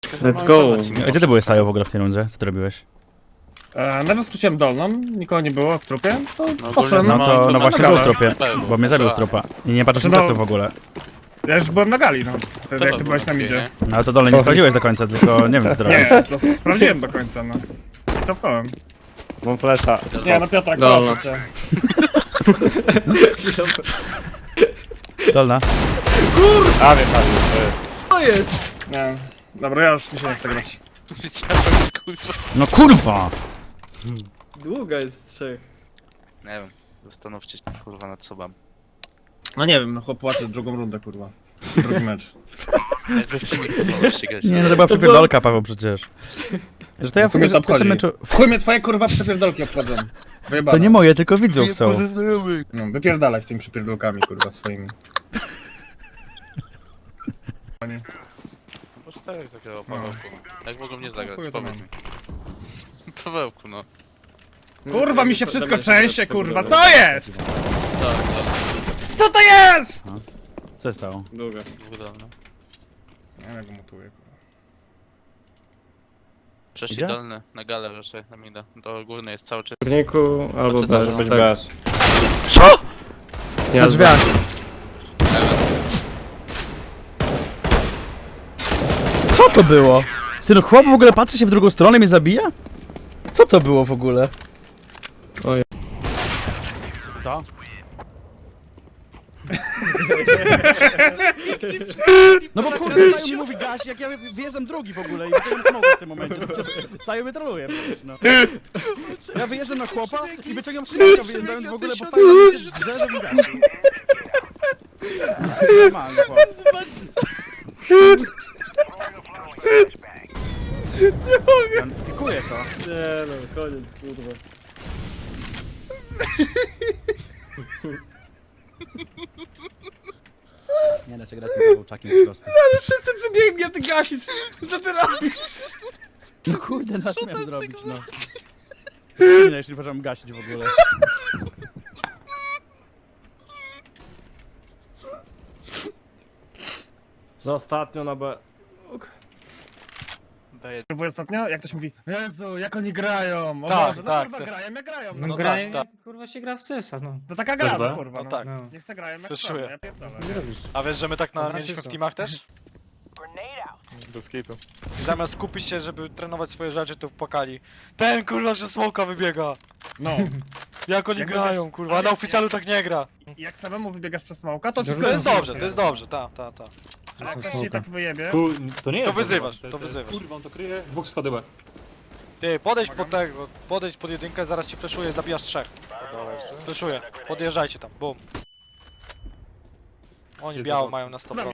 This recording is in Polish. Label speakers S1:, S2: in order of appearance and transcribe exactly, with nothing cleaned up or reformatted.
S1: Let's go.
S2: A gdzie ty byłeś Sajo w ogóle w tej rundzie? Co ty robiłeś?
S3: E, najpierw skróciłem dolną, nikogo nie było w trupie, to
S4: No,
S3: poszedłem.
S2: No to no
S4: no,
S2: właśnie
S3: no,
S2: był w
S3: no,
S2: tropie,
S4: no,
S2: bo mnie zabił z
S4: tak.
S2: tropa. I nie patrzysz
S3: No,
S2: na pleców w ogóle.
S3: Ja już byłem na gali, no. Wtedy jak ty
S4: to
S3: byłeś na
S4: było
S3: midzie.
S2: No ale to dole nie sprawdziłeś do końca, tylko nie wiem co ty robisz.
S3: Nie, to sprawdziłem do końca, no. Cofnąłem.
S1: Mam flesza.
S3: Nie, no Piotrek,
S1: Dolno.
S3: proszę cię.
S2: Dolna.
S1: A wiem, tak, jest.
S5: To jest!
S3: Nie. Dobra, ja już mi się nie chcę grać.
S4: Widziałem, kurwa.
S2: No kurwa!
S5: Długa jest z trzech.
S4: Nie wiem, zastanówcie się kurwa nad sobą.
S3: No nie wiem, no chłop płacze drugą rundę, kurwa. Drugi mecz.
S4: Jak weźcie mi kurwa ścigać.
S2: Nie no to była przepierdolka Paweł przecież. Że to ja w
S3: Chuj mnie to
S2: w pierwszym
S3: obchodzi.
S2: meczu...
S3: W chuj mnie twoje kurwa przypierdolki obchodzą. Wyjebane.
S2: To nie moje, tylko widzów są.
S3: No, wypierdalaj z tymi przypierdolkami, kurwa, swoimi.
S4: Może tak jak zagrał Pawełku. Jak mogą mnie zagrać,
S3: chuj to
S4: powiedz
S3: mam.
S4: mi. Pawełku, no.
S3: Kurwa, mi się wszystko trzęsie, kurwa, co jest?
S4: Tak, tak.
S3: Co to jest?
S2: Co się stało?
S5: Długa.
S4: Dwudolny.
S3: Nie wiem, jak go mutuję, kurwa.
S4: Przeszli
S2: Gdzie?
S4: dolny, na galę raczej, na mida. Do górnej jest cały czas.
S1: W górniku albo
S4: Znaczy,
S1: bez,
S4: może
S1: być
S3: tak.
S1: bez.
S2: Co?
S1: Ja
S2: Na drzwiach. Co to było? Ty no chłop w ogóle patrzy się w drugą stronę i mnie zabija? Co to było w ogóle?
S1: Oj.
S2: Co? No bo kurde, Saju mi mówi gaś, jak ja wyjeżdżam drugi w ogóle i wyciągam smoka w tym momencie, no przecież Saju mnie troluje przecież, no. Ja wyjeżdżam na chłopa i wyciągam smoka wyjeżdżając w ogóle, bo Saju na mnie się drze, że mi gaś. Normalny chłop. Nie mogę! Pikuję to.
S5: Nie no, koniec, kurwa.
S2: Nie da się grać z Pawełczakiem po prostu.
S3: Ale wszyscy przebiegnie, a ty gasisz. Co ty robisz?
S2: No kurde, na co miałem zrobić, no. Nie, jeśli możemy gasić w ogóle.
S1: Za ostatnio na B.
S4: Daję.
S3: Było ostatnio, jak ktoś mówi, Jezu, jak oni grają, o
S4: Tak,
S3: Boże, no
S4: tak,
S3: kurwa
S4: tak.
S3: grają, jak grają,
S6: No,
S3: no,
S6: grają,
S4: tak,
S6: kurwa się gra w C S a, no.
S3: to taka gra,
S1: Dobra.
S3: no kurwa,
S4: No
S3: no.
S4: tak.
S6: no.
S3: Niech se grają jak
S4: Fleszuję.
S3: chcą, ja pierdolę.
S1: Nie robisz.
S7: A wiesz, że my tak na,
S6: Dobra,
S7: mieliśmy w
S6: czysto.
S7: teamach też? Bez kitu. I zamiast skupić się, żeby trenować swoje rzeczy, to płakali. Ten kurwa, że smoka wybiega!
S3: No,
S7: Jak oni
S3: Jak
S7: grają,
S3: będziesz-
S7: kurwa, a na oficjalu tak nie gra.
S3: i jak samemu wybiegasz przez smoka, to wszystko
S7: To jest dobrze, to jest dobrze, ta, ta, ta.
S3: Ale jak ktoś się tak wyjebie,
S8: Tu, to nie jest.
S7: To wyzywasz,
S8: to,
S7: to wyzywasz.
S8: Kurwa, on to kryje. Dwóch schody B.
S7: Ty, podejdź pod tego, podejdź pod jedynkę, zaraz ci fleszuję, zabijasz trzech. Fleszuję, podjeżdżajcie tam, bum. Oni biało mają na sto procent.